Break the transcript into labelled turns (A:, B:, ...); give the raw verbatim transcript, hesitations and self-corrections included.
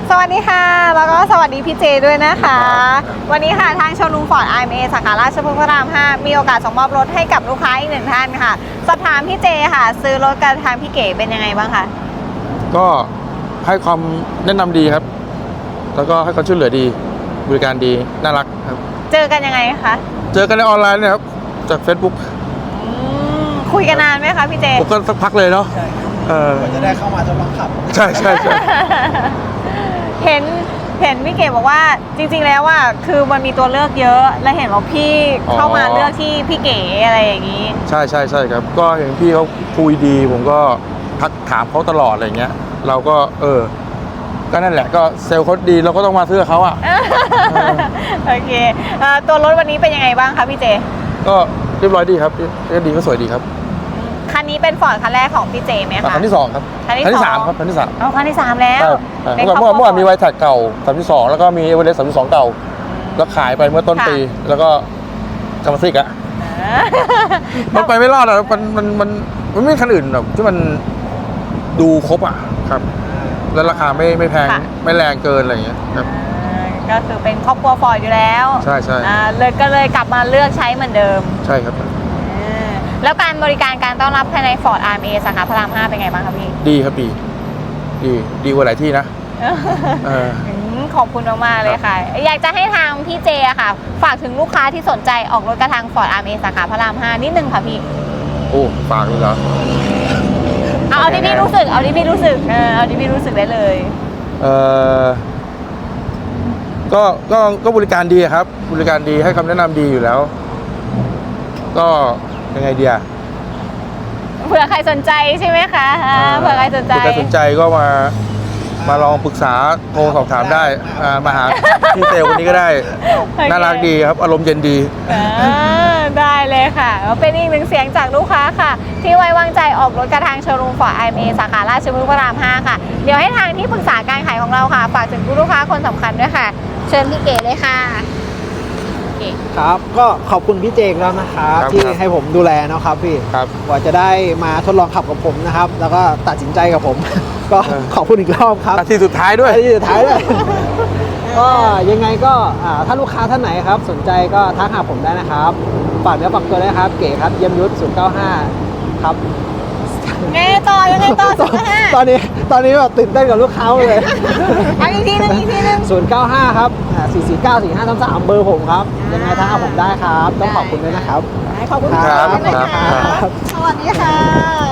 A: สวัสดีค่ะแล้วก็สวัสดีพี่เจด้วยนะคะวันนี้ค่ะทางโชว์รูมฟอร์ด ไอ เอ็ม เอ สาขาราชพฤกษ์พระรามห้ามีโอกาสส่งมอบรถให้กับลูกค้าอีกหนึ่งท่านค่ะสอบถามพี่เจค่ะซื้อรถกับทางพี่เก๋เป็นยังไงบ้างคะ
B: ก็ให้ความแนะนำดีครับแล้วก็ให้ความช่วยเหลือดีบริการดีน่ารักครับ
A: เจอกันยังไงคะ
B: เจอกันในออนไลน์นะครับจาก Facebook
A: คุยกันนานไหมคะพี่เจ
B: ผมก็สักพักเลยเนาะเออ
C: จะได้เข้ามาทดลองขับ
B: ใช่ใช่ใช่
A: เห็นเห็นพี่เก๋บอกว่าจริงๆแล้วว่าคือมันมีตัวเลือกเยอะและเห็นว่าพี่เข้ามาเลือกที่พี่เก๋อะไรอย่างนี้
B: ใช่ใช่ใช่ครับก็เห็นพี่เขาคุยดีผมก็ทักถามเขาตลอดอะไรเงี้ยเราก็เออก็นั่นแหละก็เซลล์เขาดีเราก็ต้องมาซื้อเขาอ่ะ
A: โอเคตัวรถวันนี้เป็นยังไงบ้างคะพี่เจ
B: ก็เรียบร้อยดีครับเรียบดีก็สวยดีครับ
A: คันนี้เป็นฟอร์ดคันแรกของพี่เจไหมคะ
B: คันที่สองครับ
A: คันที่สาม
B: ครับคันที่สาม
A: อ๋อคันที่สามแล้ว
B: เมื่อเมื่อเมื่อมีไวท์แท็กเก่าคันที่สองแล้วก็มีเอเวอเรสต์สามที่สองเก่าแล้วขายไปเมื่อต้นปีแล้วก็กำมะซิกอะมันไปไม่รอดอะมันมันมันมันไม่คันอื่นแบบที่มันดูครบอะครับแล้วราคาไม่ไม่แพงไม่แรงเกินอะไรอย่างเงี้ยครับ
A: ก็คือเป็นครอบครัวฟอร์ดอยู่แล้ว
B: ใช่ใช่
A: เลยก็เลยกลับมาเลือกใช้เหมือนเดิม
B: ใช่ครับ
A: แล้วการบริการการต้อนรับภายใน Ford อาร์ เอ็ม เอ สาขาพระรามห้าเป็นไงบ้างครับพี่
B: ดีครับดีดีดีกว่าหลายที่นะ
A: ขอบคุณมากๆเลยค่ะอยากจะให้ทางพี่เจอะค่ะฝากถึงลูกค้าที่สนใจออกรถกระทาง Ford อาร์ เอ็ม เอ สาขาพระรามห้านิดนึงค่ะพี่
B: โอ้ฝากเลยเหรอ
A: เอาเอาที่พี่รู้สึกเอาที่พี่รู้สึกเออเอาที่พี่รู้สึกได้เลย
B: เออก็ก็ก็บริการดีครับบริการดีให้คำแนะนำดีอยู่แล้วก็ยังไงเดีย
A: เผื่อใครสนใจใช่ไหมคะเผื่อใครสนใจ
B: เผื่อใครสนใจก็มามาลองปรึกษาโทรสอบถามได้มาหาพี่เซลคนนี้ก็ได้น่ารักดีครับอารมณ์เย็นดี
A: ได้เลยค่ะเป็นอีกหนึ่งเสียงจากลูกค้าค่ะที่ไว้วางใจออกรถกระทางโชว์รูมฟอร์ด ไอ เอ็ม เอ สาขาราชพฤกษ์พระรามห้าค่ะเดี๋ยวให้ทางที่ปรึกษาการขายของเราค่ะฝากถึงลูกค้าคนสำคัญด้วยค่ะเชิญพี่เก๋เลยค่ะ
C: ครับก็ขอบคุณพี่เจงแล้วนะครับที่ให้ผมดูแลนะครับพี่กว่าจะได้มาทดลองขับกับผมนะครับแล้วก็ตัดสินใจกับผมก็ขอบคุณอีกรอบครับ
B: นาทีสุดท้ายด้วย
C: นาทีสุดท้ายด้วยก็ยังไงก็ถ้าลูกค้าท่านไหนครับสนใจก็ทักหาผมได้นะครับฝากเนื้อฝากตัวได้ครับเก๋ครับเยี่ยมยุทธศูนย์เก้าห้าครับ
A: ไงต่อยังไงต่อ
C: ตอนนี้ตอนนี้แบบตื่นเต้นกับลูกค้าเลย
A: เอาอีกทีนึงอีกทีนึง
C: ศูนย์เก้าห้าครับสี่สี่เก้าสี่ห้าสามสามเบอร์ผมครับยังไงทักหาผมได้ครับต้องขอบคุณด้วยนะครับ
A: ขอบคุณครับสวัสดีค่ะ